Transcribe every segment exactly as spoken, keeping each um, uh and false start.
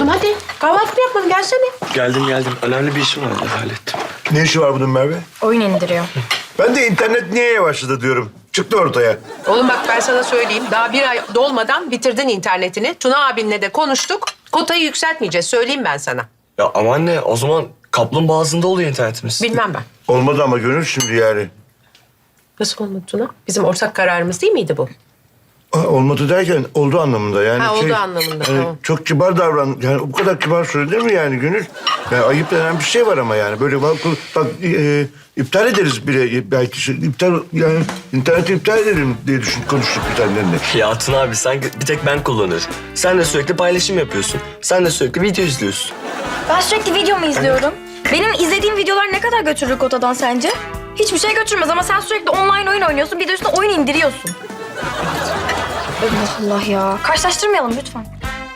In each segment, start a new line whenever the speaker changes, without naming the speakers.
Oğlum hadi kahvaltı yapalım gelsene.
Geldim geldim. Önemli bir işim vardı, hallettim.
Ne işi var bunun Merve?
Oyun indiriyor.
Ben de internet niye yavaşladı diyorum. Çıktı ortaya.
Oğlum bak ben sana söyleyeyim. Daha bir ay dolmadan bitirdin internetini. Tuna abinle de konuştuk. Kotayı yükseltmeyeceğiz. Söyleyeyim ben sana.
Ya ama anne, o zaman kaplumbağa ağzında oluyor internetimiz.
Bilmem ben.
Olmadı ama Gönül şimdi yani.
Nasıl olmadı Tuna? Bizim ortak kararımız değil miydi bu?
Ha, olmadı derken oldu anlamında yani.
Ha, oldu anlamında,
hani
tamam.
Çok kibar davran. Yani bu kadar kibar söylenir mi yani Gönül? Yani ayıp denen bir şey var ama yani. Böyle bak, bak e, iptal ederiz bile belki. Şey, iptal yani interneti iptal edelim diye düşün, konuştuk bir tanelerine.
Ya Tuna abi, sen bir tek ben kullanıyorum. Sen de sürekli paylaşım yapıyorsun. Sen de sürekli video izliyorsun.
Ben sürekli video mu izliyorum? Benim izlediğim videolar ne kadar götürür kotadan sence? Hiçbir şey götürmez ama sen sürekli online oyun oynuyorsun. Bir de üstüne oyun indiriyorsun. Allah Allah ya. Karşılaştırmayalım lütfen.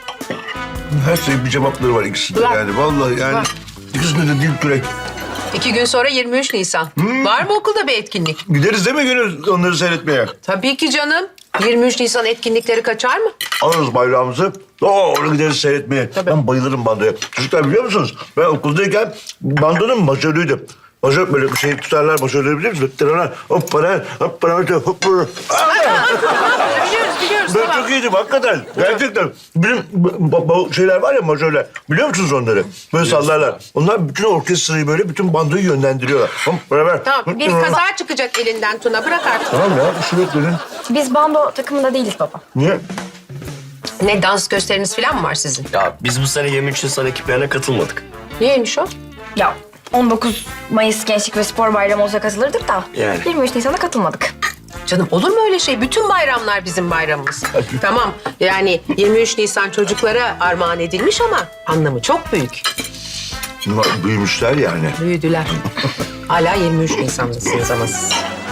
Her şey bir cevapları var ikisinde
Ulan.
yani. Vallahi yani
Ulan.
ikisinde de dil kürek.
İki gün sonra yirmi üç Nisan. Var mı okulda bir etkinlik?
Gideriz değil mi Gönül onları seyretmeye?
Tabii ki canım. yirmi üç Nisan etkinlikleri kaçar mı?
Alırız bayrağımızı. Doğru gideriz seyretmeye.
Tabii.
Ben bayılırım bandoya. Çocuklar biliyor musunuz? Ben okuldayken bandonun majörüydüm. Majör böyle bir şey tutarlar majörleri biliyor musunuz? Tırana, hop para, hop para, hop para.
Biliyoruz biliyoruz
Ben
tamam.
çok iyiydim hakikaten. Gerçekten. Bizim bu, bu şeyler var ya majörler. Biliyor musunuz onları? Böyle sallarlar. Onlar bütün orkestrayı böyle bütün bandoyu yönlendiriyorlar. Hop para ver.
Tamam bir kaza çıkacak elinden Tuna bırak artık.
Tamam ya bir şey yok dedim.
Biz bando takımında değiliz baba.
Niye?
Ne dans gösteriniz falan mı var sizin?
Ya biz bu sene yirmi üç Nisan ekiplerine katılmadık.
Niyeymiş o?
Ya on dokuz Mayıs Gençlik ve Spor Bayramı olsa katılırdık da.
Yani.
yirmi üç Nisan'da katılmadık.
Canım olur mu öyle şey? Bütün bayramlar bizim bayramımız. Tamam yani yirmi üç Nisan çocuklara armağan edilmiş ama anlamı çok büyük.
Bunlar büyümüşler yani.
Büyüdüler. Hala yirmi üç Nisan'dasınız ama siz.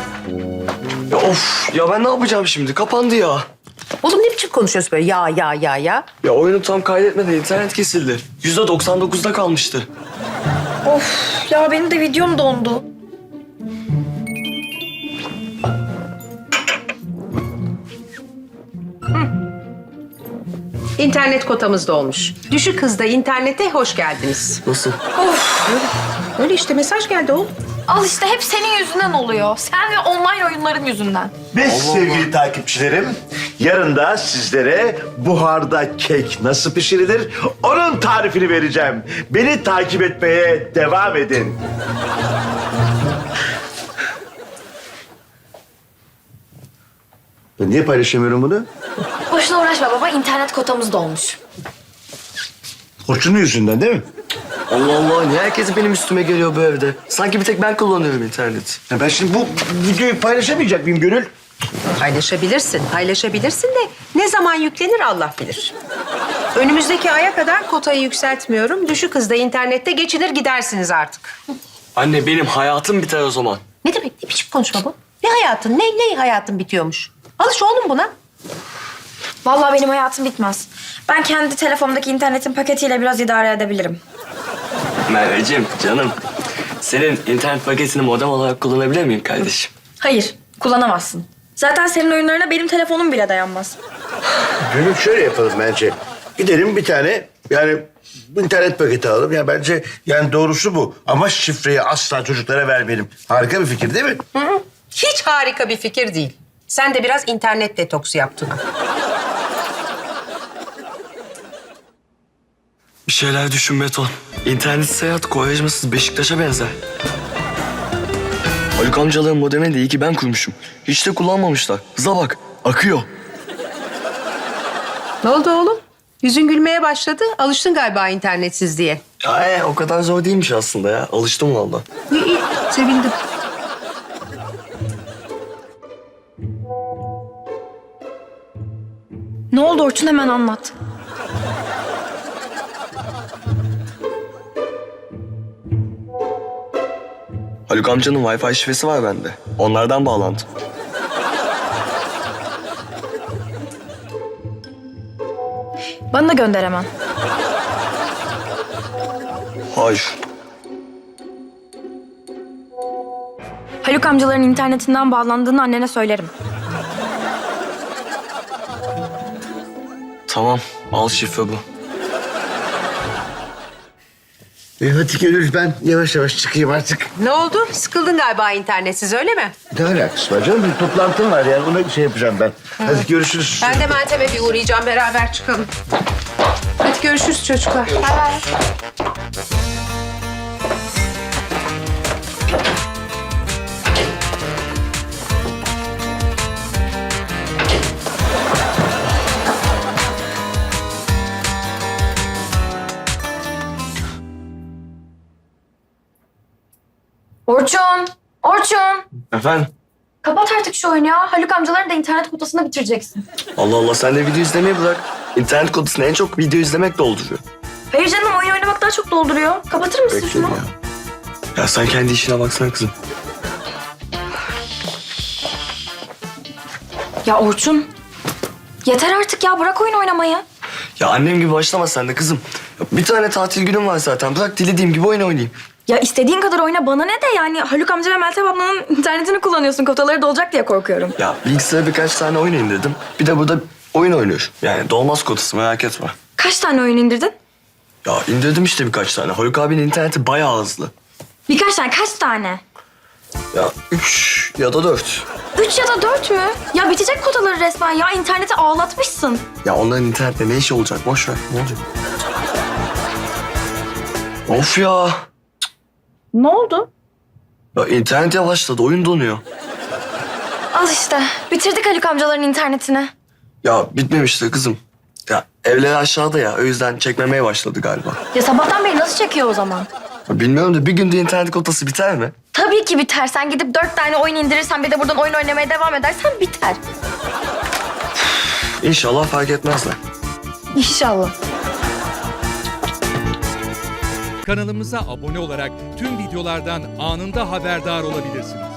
Ya of, ya ben ne yapacağım şimdi? Kapandı ya.
Oğlum ne biçim konuşuyorsun böyle ya ya ya ya?
Ya oyunu tam kaydetmedi, internet kesildi. yüzde doksan dokuzda kalmıştı.
Of ya benim de videom dondu.
İnternet kotamız dolmuş. Düşük hızda internete hoş geldiniz.
Nasıl?
Öyle işte mesaj geldi oğlum.
Al işte hep senin yüzünden oluyor. Sen ve online oyunların yüzünden.
Ve sevgili takipçilerim, yarın da sizlere buharda kek nasıl pişirilir onun tarifini vereceğim. Beni takip etmeye devam edin. Ben niye paylaşamıyorum bunu?
Boşuna uğraşma baba, internet kotamız dolmuş.
Koçunun yüzünden değil mi?
Allah Allah, niye herkes benim üstüme geliyor bu evde? Sanki bir tek ben kullanıyorum interneti.
Ya ben şimdi bu videoyu paylaşamayacak mıyım Gönül?
Paylaşabilirsin, paylaşabilirsin de ne zaman yüklenir Allah bilir. Önümüzdeki aya kadar kotayı yükseltmiyorum. Düşük hızda internette geçinir gidersiniz artık.
Anne, benim hayatım biter o zaman.
Ne demek? Ne biçim konuşma bu? Ne hayatın? Ne, ne hayatın bitiyormuş? Alış oğlum buna.
Vallahi benim hayatım bitmez. Ben kendi telefonumdaki internetin paketiyle biraz idare edebilirim.
Merveciğim, canım. Senin internet paketini modem olarak kullanabilir miyim kardeşim?
Hayır, kullanamazsın. Zaten senin oyunlarına benim telefonum bile dayanmaz.
Gönül şöyle yapalım bence. Gidelim bir tane yani internet paketi alalım. Ya bence yani doğrusu bu. Ama şifreyi asla çocuklara vermeyelim. Harika bir fikir değil mi?
Hı hı. Hiç harika bir fikir değil. Sen de biraz internet detoksu yap Tuna.
Bir şeyler düşün Beton. İnternet seyahat koyajmasız Beşiktaş'a benzer. Haluk amcaların modemini de iyi ki ben kurmuşum. Hiç de kullanmamışlar. Hıza bak, akıyor.
Ne oldu oğlum? Yüzün gülmeye başladı. Alıştın galiba internetsiz diye.
Ya ee, o kadar zor değilmiş aslında ya. Alıştım valla.
İyi, iyi. Sevindim.
Ne oldu Orçun, hemen anlat.
Haluk amcanın Wi-Fi şifresi var bende. Onlardan bağlandım.
Bana da gönder hemen.
Hayır.
Haluk amcaların internetinden bağlandığını annene söylerim.
Tamam, al şifre bu.
E hadi Gönül, ben yavaş yavaş çıkayım artık.
Ne oldu? Sıkıldın galiba internetsiz öyle mi?
Ne alakası var canım? Bir toplantım var yani. Ona şey yapacağım ben. Hadi görüşürüz.
Ben de Meltem'e bir uğrayacağım. Beraber çıkalım. Hadi görüşürüz çocuklar.
Bay bay. Orçun! Orçun!
Efendim?
Kapat artık şu oyunu ya. Haluk amcaların da internet kotasını bitireceksin.
Allah Allah, sen de video izlemeyi bırak. İnternet kodasını en çok video izlemek dolduruyor.
Hayır canım, oyun oynamak daha çok dolduruyor. Kapatır mısın
Bekle
şunu?
ya. Ya sen kendi işine baksana kızım.
Ya Orçun, yeter artık ya. Bırak oyun oynamayı.
Ya annem gibi başlama sen de kızım. Ya bir tane tatil günüm var zaten. Bırak dilediğim gibi oyun oynayayım.
Ya istediğin kadar oyna, bana ne de yani Haluk amca ve Meltem ablanın internetini kullanıyorsun. Kotaları dolacak diye korkuyorum.
Ya bilgisayara birkaç tane oyun indirdim. Bir de burada oyun oynuyor. Yani dolmaz kotası, merak etme.
Kaç tane oyun indirdin?
Ya indirdim işte birkaç tane. Haluk abinin interneti bayağı hızlı.
Birkaç tane, kaç tane?
Ya üç ya da dört.
Üç ya da dört mü? Ya bitecek kotaları resmen ya. İnterneti ağlatmışsın.
Ya onların internette ne işi olacak? Boş ver. Ne olacak? Of ya.
Ne oldu?
Ya internet yavaşladı. Oyun donuyor.
Al işte. Bitirdik Haluk amcaların internetini.
Ya bitmemişti kızım. Ya evleri aşağıda ya. O yüzden çekmemeye başladı galiba.
Ya sabahtan beri nasıl çekiyor o zaman?
Ya bilmiyorum da bir günde internet kotası biter mi?
Tabii ki biter. Sen gidip dört tane oyun indirirsen bir de buradan oyun oynamaya devam edersen biter.
İnşallah fark etmezler.
İnşallah.
Kanalımıza abone olarak tüm videolardan anında haberdar olabilirsiniz.